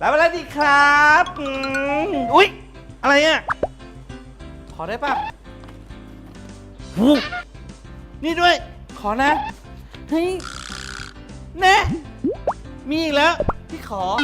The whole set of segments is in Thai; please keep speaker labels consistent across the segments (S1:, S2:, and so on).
S1: รับอะไรดีครับอุ๊ยอะไรอ่ะขอได้ป่ะหูนี่ด้วยขอนะเฮ้ยแน่มีอีกแล้วพี่ขอ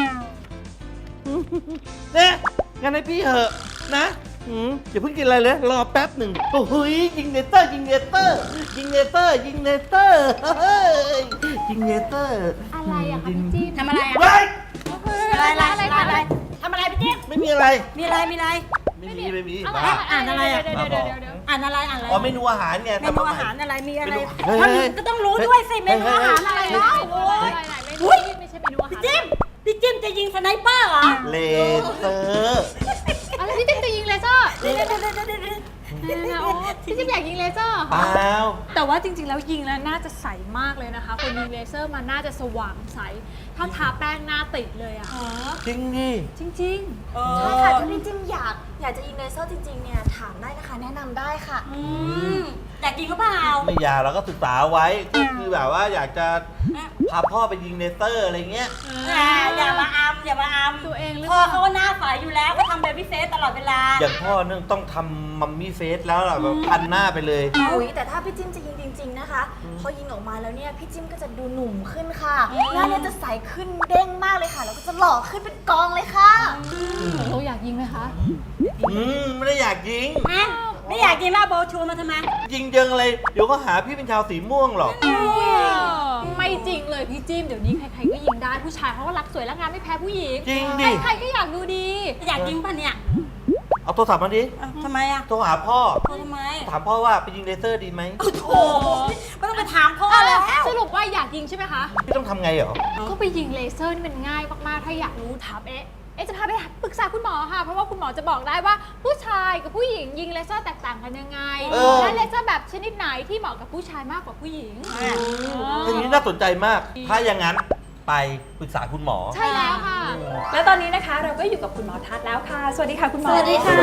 S1: แน่งั้นให้พี่เหอะนะอย่าเพิ่งกินอะไรเลยรอแป๊บหนึ่งโอ้โหยิงเนเตอร์ยิงเนเตอร์ยิงเนเตอร์ยิงเนเตอร์ยิงเนเตอร์
S2: อะไรอะคะพี่จิ๊บ
S3: ทำอะไรอะ
S1: เฮ้ย
S3: อะไรทำอะไรพี่จิ๊บ
S1: ไม่มีอะไร
S3: มีอะไร
S1: ไม่มีบ้า
S3: อ่านอะไรอะ
S2: เดี๋ยว
S3: อ่านอะไร
S1: อ๋อเมนูอาหารไง
S3: เมนูอาหารอะไรมีอะไร
S1: เฮ้ย
S3: ท่านก็ต้องรู้ด้วยสิเมนูอาหารอะไรเนาะโอ้ย
S2: ไม่ใช่เมนูอาหาร
S3: พี่จิ้มจะยิงสไนเปอร์เหรอ
S1: เลเซอร์
S2: อะไรพี่จิ๊บจะยิงเลเซอร์
S3: เดี๋ยว
S2: โอ้พี่จิ๊บอยากยิงเลเซอร์
S1: เปล่า
S2: แต่ว่าจริงๆแล้วยิงแล้วน่าจะใสมากเลยนะคะคนยิงเลเซอร์มันน่าจะสว่างใสถ้าทาแป้งหน้าติดเลยอะ
S1: จริงดิ
S2: จริง
S4: ใช่ค่ะถ้าพี่จิ้มอยากจะยิงเลเซอร์จริงๆเนี่ยถามได้นะคะแนะนำได้ค่ะ
S3: อยากยิงก็เปล่า
S1: ไม่อยากเราก็ศึกษาไว้ก็คือแบบว่าอยากจะพาพ่อไปยิงเลเซอร์อะไรเงี้ย
S3: อย่ามาอัม
S2: ตัวเองหรือ
S3: พ่อ
S2: เปล่า
S3: เขาก็หน้าใสอยู่แล้วก็ทำเบบี้เฟสตลอดเวลา
S1: อย่างพ่อเนี่ยต้องทำมัมมี่เฟสแล้วล่ะแบบพันหน้าไปเลย
S4: อุ๊ยแต่ถ้าพี่จิ้มจะยิงจริงๆนะคะพอยิงออกมาแล้วเนี่ยพี่จิ้มก็จะดูหนุ่มขึ้นค่ะหน้าเนี่ยจะใสขึ้นเด้งมากเลยค่ะแล้วก็จะหล่อขึ้นเป็นกองเลยค่ะ
S2: เราอยากยิงไหมคะ
S1: ไม่ได้อยากยิง
S3: ไม่อยากยิงแล้วโบชูมาทำไม
S1: ยิงเยิงอะไรเดี๋ยวก็หาพี่เป็นชาวสีม่วงหรอก
S2: ไม่จริงเลยพี่จิ้มเดี๋ยวนี้ใครๆก็ยิงได้ผู้ชายเขาก็รักสวยรักงามไม่แพ้ผู้หญิง
S1: จริงดิ
S2: ใครๆก็อยากดูดี
S3: อยากยิงป่ะเนี่ย
S1: เอาโทรศัพท์มาดิ
S3: ทำไมอะ
S1: โทรหาพ่อ
S3: ทำไม
S1: ถามพ่อว่าไปยิงเลเซอร์ดีไหม
S3: โอ้ไม่ต้องไปถามพ่อแล้ว
S2: สรุปว่าอยากยิงใช่ไหมคะ
S1: พี่ต้องทำไงเหรอ
S2: ก็ไปยิงเลเซอร์นี่มันง่ายมากๆ ถ้าอยากรู้ถามเอ๊ะจะพาไปปรึกษาคุณหมอค่ะ เพราะว่าคุณหมอจะบอกได้ว่าผู้ชายกับผู้หญิงยิงเลเซอร์แตกต่างกันยังไง และเลเซอร์แบบชนิดไหนที่เหมาะกับผู้ชายมากกว่าผู้หญิง
S1: อย่างนี้น่าสนใจมาก ถ้าอย่างนั้นไปปรึกษาคุณหมอ
S2: ใช่แล้วค่ะ
S5: แล้วตอนนี้นะคะเราก็อยู่กับคุณหมอทัศน์แล้วค่ะ สวัสดีค่ะคุณหมอ
S3: สวัสดีค่ะ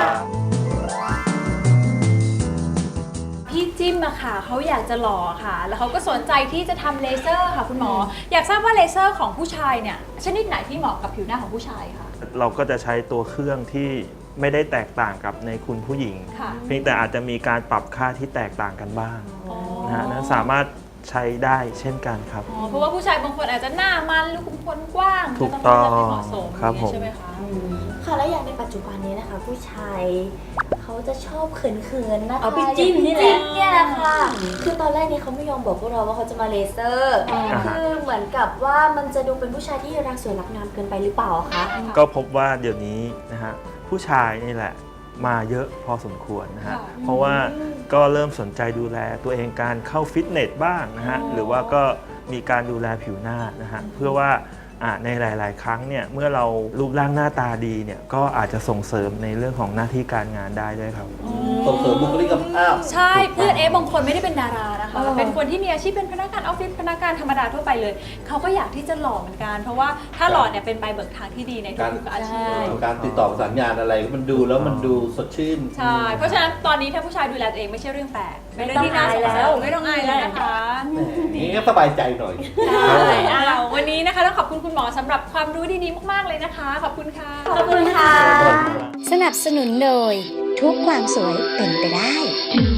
S5: พี่จิ้มอะค่ะเขาอยากจะหล่อค่ะ แล้วเขาก็สนใจที่จะทำเลเซอร์ค่ะคุณหมอ อยากทราบว่าเลเซอร์ของผู้ชายเนี่ยชนิดไหนที่เหมาะกับผิวหน้าของผู้ชายค่ะ
S6: เราก็จะใช้ตัวเครื่องที่ไม่ได้แตกต่างกับในคุณผู้หญิง
S5: ค่ะ
S6: เพียงแต่อาจจะมีการปรับค่าที่แตกต่างกันบ้างนะฮะนั้นสามารถใช้ได้เช่นกันครับ
S5: อ๋อเพราะว่าผู้ชายบางคนอาจจะหน้ามันหรือขุมขนกว้าง
S6: ถูกต้อง
S5: เลือกให้เหมาะสม
S6: ครับผม
S5: ใช่ไหมคะ
S4: ค่ะแล้วอย่างในปัจจุบันนี้นะคะ ผู้ชายเขาจะชอบเขินๆนะคะ
S3: เอาพี่จิ้มนี่แหละ
S4: จิ้มเนี่ยแหละค่ะคือตอนแรกเนี่ยเขาไม่ยอมบอกพวกเราว่าเขาจะมาเลเซอร์คือเหมือนกับว่ามันจะดูเป็นผู้ชายที่รักสวยรักงามเกินไปหรือเปล่าคะ
S6: ก็พบว่าเดี๋ยวนี้นะฮะผู้ชายนี่แหละมาเยอะพอสมควรนะฮะ เพราะว่าก็เริ่มสนใจดูแลตัวเองการเข้าฟิตเนสบ้างนะฮะ หรือว่าก็มีการดูแลผิวหน้านะฮะ เพื่อว่าในหลาย ๆ ครั้งเนี่ยเมื่อเรารูปร่างหน้าตาดีเนี่ยก็อาจจะส่งเสริมในเรื่องของหน้าที่การงานได้ด้วยครับ
S1: ส่งเสริมบุคลิกภาพ
S5: ใช่ เพื่อนบางคนไม่ได้เป็นดารานะคะ เป็นคนที่มีอาชีพเป็นพนักงานออฟฟิศพนักงานธรรมดาทั่วไปเลย เขาก็อยากที่จะหล่อเหมือนกัน เพราะว่าถ้าหล่อเนี่ยเป็นใบเบิกทางที่ดีในทุกๆอาชีพ
S1: การติดต่อประสานงานอะไรมันดูแล้วมันดูสดชื่น
S5: ใช่ เพราะฉะนั้นตอนนี้ถ้าผู้ชายดูแลตัวเองไม่ใช่เรื่องแปลกเป็นเรื่องที่น่าสนใจไม่ต้องอายแล้วนะคะ
S1: นี่ก็สบายใจหน่อย
S5: ใช่วันนี้นะคะต้องขอบคุณคุณหมอสำหรับความรู้ดีๆมากๆเลยนะคะ ขอบคุณค่ะ
S3: ขอบคุณค่ะ
S7: สนับสนุนโดยทุกความสวยเป็นไปได้